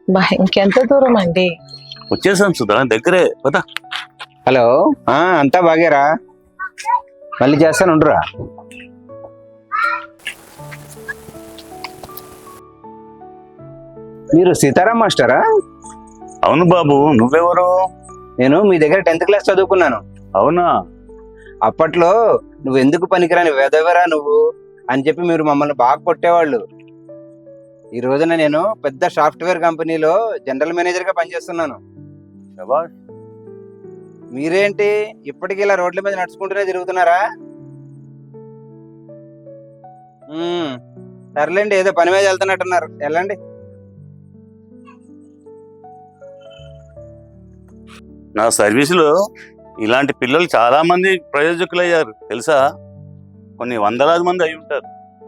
ఇంకెంత దూరం అండి? వచ్చేసాం సుధా, దగ్గరే పద. హలో, అంతా బాగారా? మళ్ళీ చేస్తాను, ఉండరా. మీరు సీతారాం మాస్టరా? అవును బాబు, నువ్వెవరు? నేను మీ దగ్గర 10th క్లాస్ చదువుకున్నాను. అవునా? అప్పట్లో నువ్వు ఎందుకు పనికిరాని వెదవరా నువ్వు అని చెప్పి మీరు మమ్మల్ని బాగా కొట్టేవాళ్ళు. ఈ రోజున నేను పెద్ద సాఫ్ట్వేర్ కంపెనీలో జనరల్ మేనేజర్ గా పనిచేస్తున్నాను. శభాష్. మీరేంటి ఇప్పటికీ ఇలా రోడ్ల మీద నడుచుకుంటూనే తిరుగుతున్నారా? సర్లేండి, ఏదో పని మీద వెళ్తున్నట్టున్నారు, వెళ్ళండి. నా సర్వీసులో ఇలాంటి పిల్లలు చాలా మంది ప్రయోజకులయ్యారు తెలుసా? కొన్ని వందలాది మంది అయి ఉంటారు.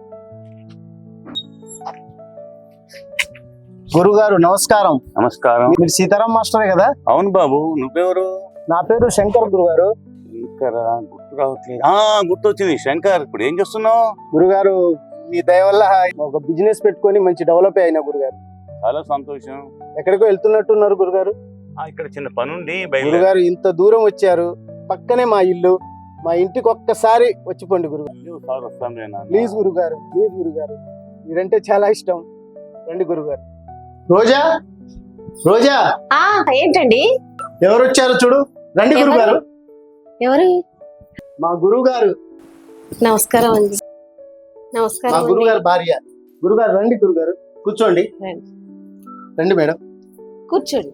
గురుగారు నమస్కారం. నమస్కారం. మీరు సీతారాం మాస్టరే కదా? అవును బాబు, నువ్వెవరు? నా పేరు శంకర్ గురుగారు. శంకర్ గుర్తు రావట్లేదు. గుర్తొచ్చింది, శంకర్. ఇప్పుడు ఏం చేస్తున్నావు? గురుగారు మీ దయ వల్ల ఒక బిజినెస్ పెట్టుకొని మంచి డెవలప్ అయినా గురుగారు. చాలా సంతోషం. ఎక్కడికో వెళ్తున్నట్టున్నారు గురుగారు. ఇక్కడ చిన్న పనుండి గురుగారు ఇంత దూరం వచ్చారు, పక్కనే మా ఇల్లు, మా ఇంటికి ఒక్కసారి వచ్చిపోండి గురుగారు. ప్లీజ్ గురుగారు, ప్లీజ్ గురుగారు, మీరంటే చాలా ఇష్టం. రండి గురుగారు. రోజా, రోజా. ఏంటండి? ఎవరు వచ్చారు చూడు, రండి గురుగారు. ఎవరు? మా గురువు గారు. నమస్కారం అండి. నమస్కారం. మా గురుగారు భార్య. గురుగారు రండి గురుగారు, కూర్చోండి. రండి మేడం, కూర్చోండి.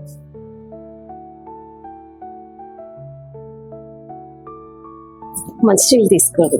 మంచి తీసుకోదు.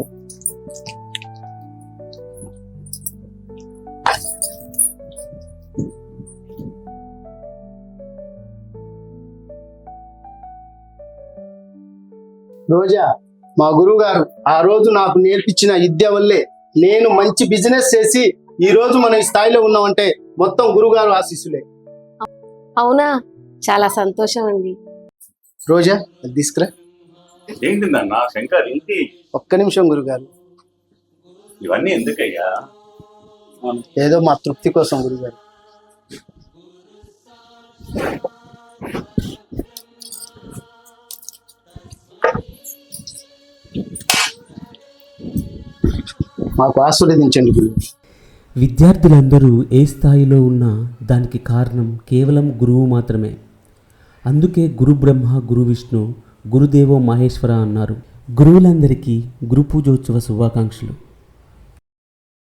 రోజా, మా గురువు గారు ఆ రోజు నాకు నేర్పించిన విద్య వల్లే నేను మంచి బిజినెస్ చేసి ఈ రోజు మనం ఈ స్థాయిలో ఉన్నామంటే మొత్తం గురుగారు ఆశీస్సులే. అవునా? చాలా సంతోషం అండి. రోజా, అది తీసుకురా. ఏంటి నాన్న శంకర్, ఏంటి? ఒక్క నిమిషం గురుగారు. ఇవన్నీ ఎందుకయ్యా? ఏదో మా తృప్తి కోసం గురుగారు. మాకు ఆశీర్వదించండి గురుగారు. విద్యార్థులందరూ ఏ స్థాయిలో ఉన్నా దానికి కారణం కేవలం గురువు మాత్రమే. అందుకే గురు బ్రహ్మ గురు విష్ణు గురుదేవో మహేశ్వర అన్నారు. గురువులందరికీ గురు పూజోత్సవ శుభాకాంక్షలు.